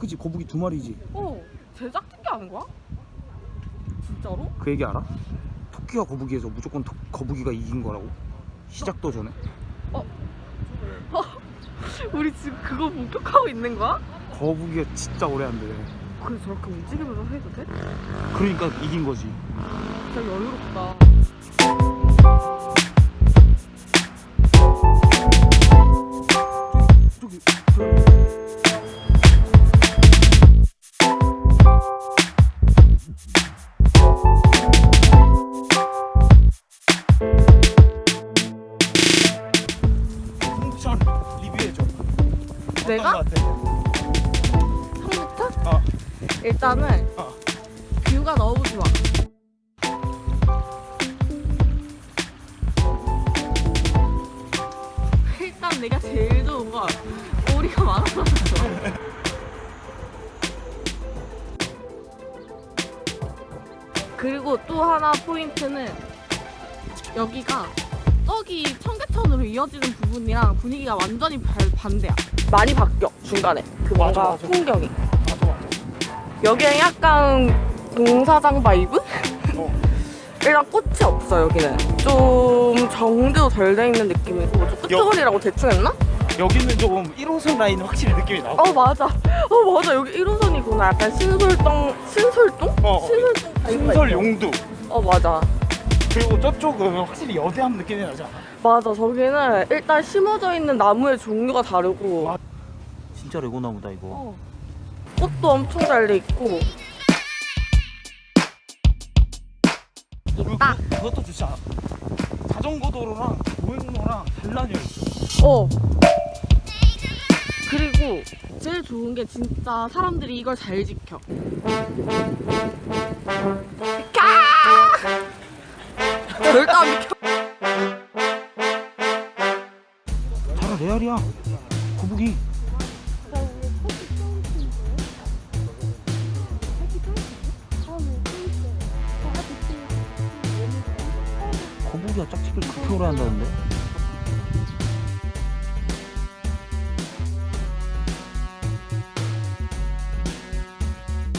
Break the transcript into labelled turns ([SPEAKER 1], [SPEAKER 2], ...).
[SPEAKER 1] 그치, 거북이 2마리지.
[SPEAKER 2] 제작 특기하는 거야? 진짜로?
[SPEAKER 1] 그 얘기 알아? 토끼와 거북이에서 무조건 거북이가 이긴 거라고? 시작도 전에.
[SPEAKER 2] 우리 지금 그거 목격하고 있는 거야?
[SPEAKER 1] 거북이가 진짜 오래 한대.
[SPEAKER 2] 그래 저렇게 움직이면서 해도 돼?
[SPEAKER 1] 그러니까 이긴 거지.
[SPEAKER 2] 진짜 여유롭다.
[SPEAKER 1] 저기 홍천 리뷰해줘.
[SPEAKER 2] 내가?
[SPEAKER 1] 어떤 거 같아?
[SPEAKER 2] 처음부터? 일단은 뷰가 너무 좋아. 일단 내가 제일 좋은 건 오리가 많아서 좋아. 그리고 또 하나 포인트는 여기가 저기 청계천으로 이어지는 부분이랑 분위기가 완전히 반대야. 많이 바뀌어 중간에 그 뭔가
[SPEAKER 1] 맞아.
[SPEAKER 2] 풍경이.
[SPEAKER 1] 맞아.
[SPEAKER 2] 여기는 약간 공사장 바이브? 일단 꽃이 없어 여기는. 좀 정도 덜 돼 있는 느낌이고 좀 끄트거리라고 대충 했나?
[SPEAKER 1] 여기는 조금 1호선 라인 확실히 느낌이 나.
[SPEAKER 2] 맞아. 맞아. 여기 1호선이구나. 약간 신솔동? 신솔동 바이브가
[SPEAKER 1] 신설
[SPEAKER 2] 있어.
[SPEAKER 1] 용두.
[SPEAKER 2] 맞아.
[SPEAKER 1] 그리고 저쪽은 확실히 여대함 느낌이 나지 않아?
[SPEAKER 2] 맞아. 저기는 일단 심어져 있는 나무의 종류가 다르고
[SPEAKER 1] 진짜 레고나무다 이거.
[SPEAKER 2] 꽃도 엄청 잘 돼 있고. 있다.
[SPEAKER 1] 그것도 좋지 않아? 자전거 도로랑 보행로랑 단란히 있어.
[SPEAKER 2] 그리고 제일 좋은 게 진짜 사람들이 이걸 잘 지켜. 절대 안 비켜.
[SPEAKER 1] 자라 레알이야. 거북이. 거북이가 짝짓기를 그렇게 오래 한다는데?